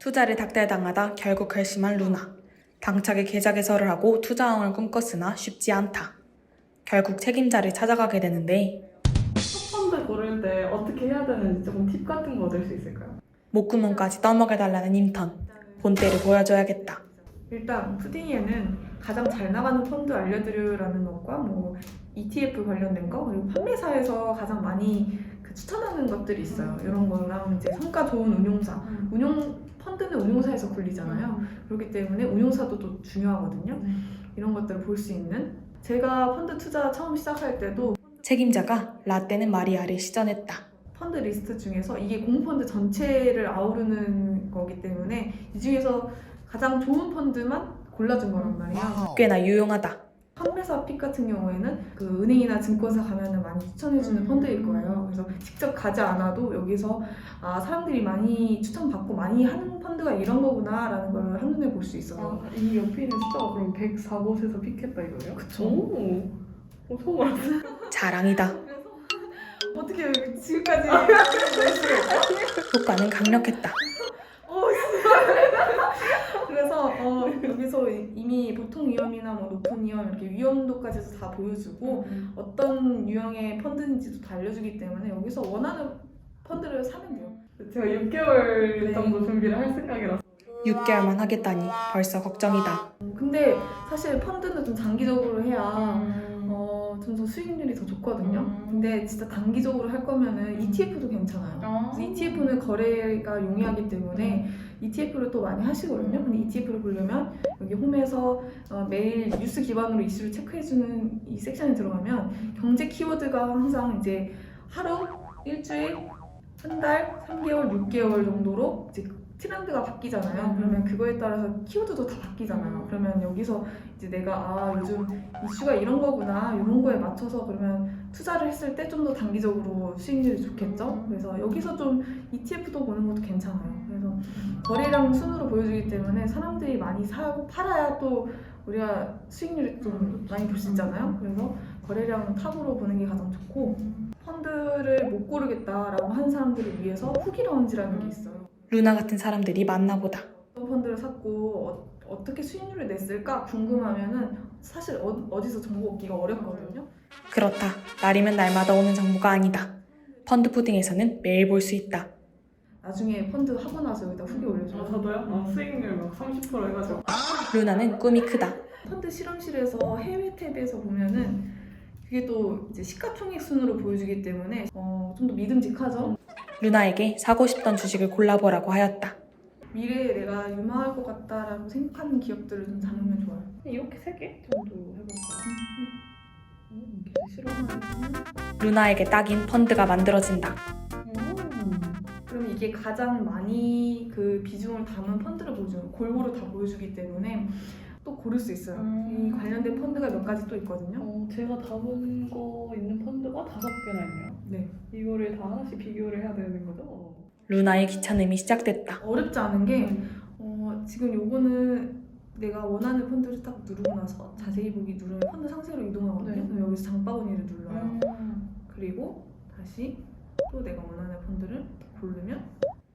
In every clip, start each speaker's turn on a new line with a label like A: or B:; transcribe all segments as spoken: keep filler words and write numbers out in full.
A: 투자를 닥달당하다 결국 결심한 루나. 당차게 계좌 개설을 하고 투자왕을 꿈꿨으나 쉽지 않다. 결국 책임자를 찾아가게 되는데
B: 첫 펀드 고를 때 어떻게 해야 되는지 조금 팁 같은 거 얻을 수 있을까요?
A: 목구멍까지 떠먹여달라는 인턴. 본때를 보여줘야겠다.
C: 일단 푸딩이에는 가장 잘 나가는 펀드 알려드려라는 것과 뭐 이티에프 관련된 거 그리고 판매사에서 가장 많이 그 추천하는 것들이 있어요. 이런 거랑 이제 성과 좋은 운용사, 운용 펀드는 운용사에서 굴리잖아요. 그렇기 때문에 운용사도 또 중요하거든요. 이런 것들을 볼 수 있는. 제가 펀드 투자 처음 시작할 때도
A: 책임자가 라떼는 마리아를 시전했다.
C: 펀드 리스트 중에서 이게 공펀드 전체를 아우르는 거기 때문에 이 중에서 가장 좋은 펀드만 골라준 거란 말이야.
A: 꽤나 유용하다.
C: 판매사 픽 같은 경우에는 그 은행이나 증권사 가면은 많이 추천해주는 펀드일 거예요. 그래서 직접 가지 않아도 여기서 아 사람들이 많이 추천받고 많이 하는 펀드가 이런 거구나라는 걸 한눈에 볼 수 있어서.
B: 아, 이 옆에 있는 숫자가 그럼 백사 곳에서 픽했다 이거예요?
C: 그쵸.
B: 오, 오 처음 알았어요.
A: 자랑이다.
C: 어떻게 지금까지
A: 효과는 강력했다.
C: 그래서 어, 여기서 이미 보통 위험이나 뭐 높은 위험 이렇게 위험도까지도 다 보여주고 어떤 유형의 펀드인지도 다 알려주기 때문에 여기서 원하는 펀드를 사면 돼요.
B: 제가 육 개월
C: 네.
B: 정도 준비를 할 생각이라서
A: 육 개월만 하겠다니 벌써 걱정이다.
C: 근데 사실 펀드는 좀 장기적으로 해야
B: 음.
C: 어, 좀 더 수익률이 더 좋거든요.
B: 음.
C: 근데 진짜 단기적으로 할 거면은 이티에프도 괜찮아요.
B: 아.
C: 그래서 이티에프는 거래가 용이하기 때문에 이티에프를 또 많이 하시거든요. 근데 이티에프를 보려면 여기 홈에서 어, 매일 뉴스 기반으로 이슈를 체크해주는 이 섹션에 들어가면 경제 키워드가 항상 이제 하루, 일주일, 한 달, 삼 개월, 육 개월 정도로 이제 트렌드가 바뀌잖아요. 그러면 그거에 따라서 키워드도 다 바뀌잖아요. 그러면 여기서 이제 내가 아 요즘 이슈가 이런 거구나 이런 거에 맞춰서 그러면 투자를 했을 때 좀 더 단기적으로 수익률이 좋겠죠. 그래서 여기서 좀 이티에프도 보는 것도 괜찮아요. 그래서 거래량 순으로 보여주기 때문에 사람들이 많이 사고 팔아야 또 우리가 수익률이 좀 많이 볼 수 있잖아요. 그래서 거래량 탑으로 보는 게 가장 좋고 펀드를 못 고르겠다라고 하는 사람들을 위해서 후기 라운지라는 게 있어요.
A: 루나 같은 사람들이 많나보다.
C: 어떤 펀드를 샀고 어, 어떻게 수익률을 냈을까 궁금하면은 사실 어, 어디서 정보 얻기가 어렵거든요.
A: 그렇다. 날이면 날마다 오는 정보가 아니다. 펀드 푸딩에서는 매일 볼 수 있다.
C: 나중에 펀드 하고 나서 여기다 후기
B: 아,
C: 올려줘요.
B: 저도요? 아, 수익률 막 삼십 퍼센트 해가지고
A: 루나는 꿈이 크다.
C: 펀드 실험실에서 해외 탭에서 보면은 그게 또 이제 시가총액 순으로 보여주기 때문에 어, 좀 더 믿음직하죠.
A: 루나에게 사고 싶던 주식을 골라보라고 하였다.
C: 미래에 내가 유망할 것 같다라고 생각하는 기업들을 좀 잡으면 좋아요.
B: 이렇게 세 개 정도 해볼까요? 음, 계속 싫어하는
A: 루나에게 딱인 펀드가 만들어진다.
B: 음.
C: 그러면 이게 가장 많이 그 비중을 담은 펀드를 보여주는 골고루 다 보여주기 때문에 또 고를 수 있어요.
B: 음.
C: 이 관련된 펀드가 몇 가지 또 있거든요.
B: 어, 제가 담은 거 있는 펀드가 다섯 개나 있네요.
C: 네.
B: 이거를 다 하나씩 비교를 해야 되는 거죠?
A: 루나의 귀찮음이 시작됐다.
C: 어렵지 않은 게 어, 지금 요거는 내가 원하는 펀드를 딱 누르고 나서 자세히 보기 누르면 펀드 상세로 이동하거든요.
B: 네.
C: 그럼 여기서 장바구니를 눌러요.
B: 음.
C: 그리고 다시 또 내가 원하는 펀드를 고르면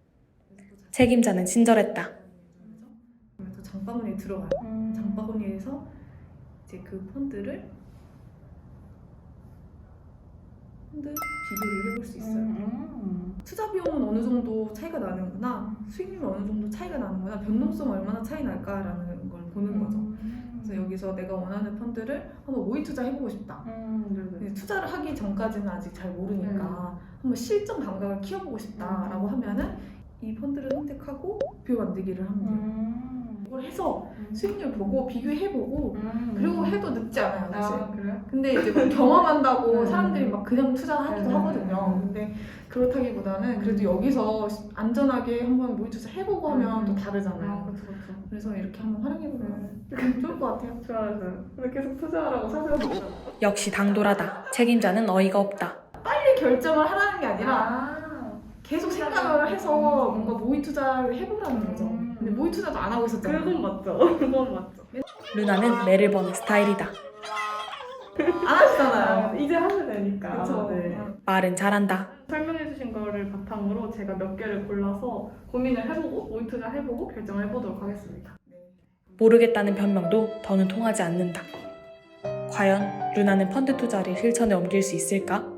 A: 책임자는 친절했다.
C: 그러면 또 장바구니에 들어가요.
B: 음.
C: 장바구니에서 이제 그 펀드를 펀드 비교를 해볼 수 있어요.
B: 음.
C: 투자 비용은 어느 정도 차이가 나는구나, 수익률은 어느 정도 차이가 나는구나, 변동성 얼마나 차이 날까라는 걸 보는 거죠.
B: 음.
C: 그래서 여기서 내가 원하는 펀드를 한번 모의 투자 해보고 싶다.
B: 음, 네네.
C: 근데 투자를 하기 전까지는 아직 잘 모르니까 한번 실전 감각을 키워보고 싶다라고 하면은 이 펀드를 선택하고 목표 만들기를 하면 돼요.
B: 음.
C: 이걸 해서
B: 음.
C: 수익률 보고 비교해보고
B: 음.
C: 그리고 해도 늦지 않아요, 사실.
B: 아, 그래요?
C: 근데 이제 뭐 경험한다고
B: 음.
C: 사람들이 막 그냥 투자하기도
B: 음.
C: 하거든요. 근데 그렇다기보다는 그래도 여기서 안전하게 한번 모의 투자 해보고 하면
B: 음.
C: 또
B: 아,
C: 다르잖아요.
B: 그렇죠, 그렇죠.
C: 그래서 이렇게 한번 활용해보면 좋을 것 같아요.
B: 좋아요. 근데 계속 투자하라고 사세요.
A: 역시 당돌하다. 책임자는 어이가 없다.
C: 빨리 결정을 하라는 게 아니라
B: 아,
C: 계속 생각을 해서 뭔가 모의 투자를 해보라는 거죠.
B: 음.
C: 근데 모의 투자도 안 하고 있었잖아요.
B: 그건 맞죠. 그건 맞죠.
A: 루나는 매를 버는 스타일이다.
C: 안 하시잖아요.
B: 아, 이제 하면 되니까.
C: 그쵸.
B: 네.
C: 어.
A: 말은 잘한다.
B: 설명해주신 거를 바탕으로 제가 몇 개를 골라서 고민을 해보고 모의 투자 해보고 결정을 해보도록 하겠습니다.
A: 모르겠다는 변명도 더는 통하지 않는다. 과연 루나는 펀드 투자를 실천에 옮길 수 있을까?